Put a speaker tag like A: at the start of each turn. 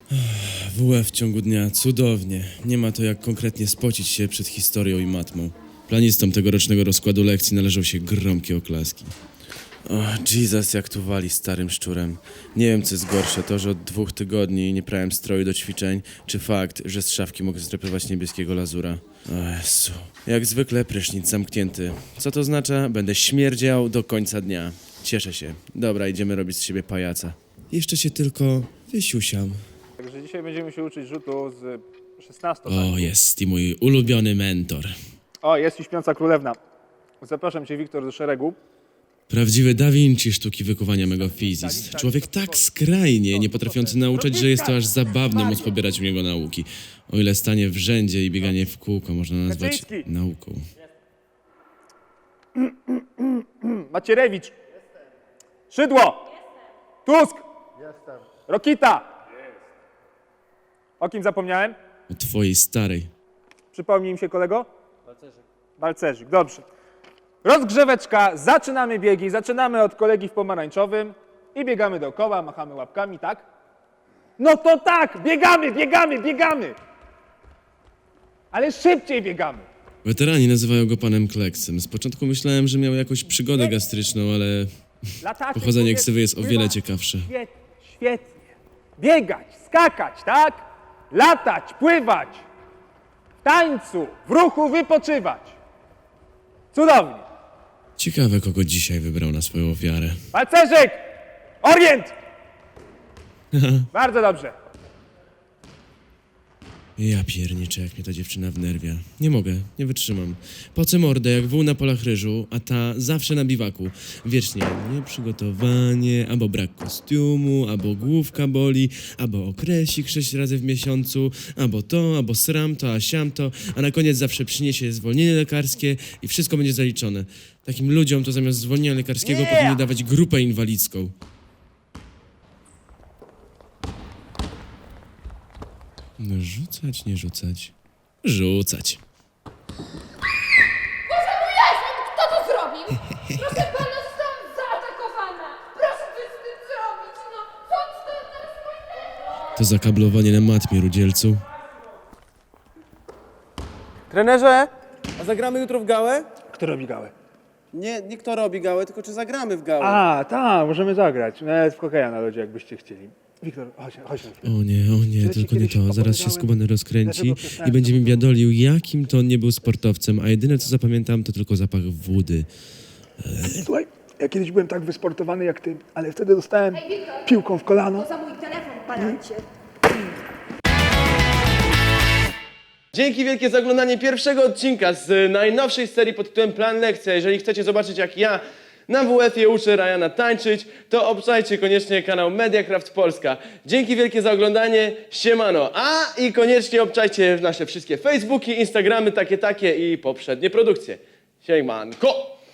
A: WF w ciągu dnia, cudownie. Nie ma to jak konkretnie spocić się przed historią i matmą. Planistom tegorocznego rozkładu lekcji należą się gromkie oklaski. O, Jesus, jak tu wali starym szczurem. Nie wiem, co jest gorsze, to, że od 2 tygodni nie prałem stroju do ćwiczeń, czy fakt, że z szafki mogę zdrapywać niebieskiego lazura. O Jezu. Jak zwykle prysznic zamknięty. Co to oznacza? Będę śmierdział do końca dnia. Cieszę się. Dobra, idziemy robić z siebie pajaca. Jeszcze się tylko wysiusiam.
B: Także dzisiaj będziemy się uczyć rzutu z 16.
A: O, jest i mój ulubiony mentor.
B: O, jest i śpiąca królewna. Zapraszam cię, Wiktor, do szeregu.
A: Prawdziwy Da Vinci sztuki wykuwania Megafizis. Człowiek tak skrajnie nie potrafiący nauczać, że jest to aż zabawne móc pobierać u niego nauki. O ile stanie w rzędzie i bieganie w kółko można nazwać nauką.
B: Macierewicz. Szydło. Tusk. Rokita. O kim zapomniałem?
A: O twojej starej.
B: Przypomnij mi się, kolego? Balcerzyk, dobrze. Rozgrzeweczka, zaczynamy biegi, zaczynamy od kolegi w pomarańczowym i biegamy dookoła, machamy łapkami, tak? No to tak, biegamy! Ale szybciej biegamy.
A: Weterani nazywają go panem Kleksem. Z początku myślałem, że miał jakąś przygodę gastryczną, ale
B: Latacie,
A: pochodzenie
B: powiedz,
A: ksywy jest o wiele
B: pływać.
A: ciekawsze.
B: Świetnie. Biegać, skakać, tak? Latać, pływać. W tańcu, w ruchu wypoczywać. Cudownie.
A: Ciekawe, kogo dzisiaj wybrał na swoją ofiarę.
B: Balcerzyk! Orient! Bardzo dobrze.
A: Ja pierniczę, jak mnie ta dziewczyna wnerwia. Nie mogę, nie wytrzymam. Pocę mordę jak wół na polach ryżu, a ta zawsze na biwaku. Wiecznie nieprzygotowanie, albo brak kostiumu, albo główka boli, albo okresik 6 razy w miesiącu, albo to, albo sram to, a siam to, a na koniec zawsze przyniesie zwolnienie lekarskie i wszystko będzie zaliczone. Takim ludziom to zamiast zwolnienia lekarskiego powinni dawać grupę inwalidzką. No rzucać, nie rzucać. Rzucać.
C: Boże mój Jezu, kto to zrobił? Proszę pana, zostałam zaatakowana. Proszę coś z tym zrobić, no. Co to teraz moje?
A: To zakablowanie na matmie, rudzielcu.
D: Trenerze, a zagramy jutro w gałę?
B: Kto robi gałę?
D: Nie kto robi gałę, tylko czy zagramy w gałę.
B: A, tak, możemy zagrać. Nawet w hokeja na lodzie, jakbyście chcieli. Wiktor, chodź na chwilę.
A: O nie, tylko nie to. Zaraz się skubany rozkręci i będzie mi biadolił, jakim to on nie był sportowcem, a jedyne co zapamiętam to tylko zapach wody.
B: Słuchaj, ja kiedyś byłem tak wysportowany jak ty, ale wtedy dostałem piłką w kolano.
C: Za mój telefon, panacie.
D: Dzięki wielkie za oglądanie pierwszego odcinka z najnowszej serii pod tytułem Plan Lekcja. Jeżeli chcecie zobaczyć, jak ja na WF-ie uczę Ryana tańczyć, to obczajcie koniecznie kanał Mediacraft Polska. Dzięki wielkie za oglądanie, siemano. I koniecznie obczajcie nasze wszystkie Facebooki, Instagramy, takie i poprzednie produkcje. Siemanko!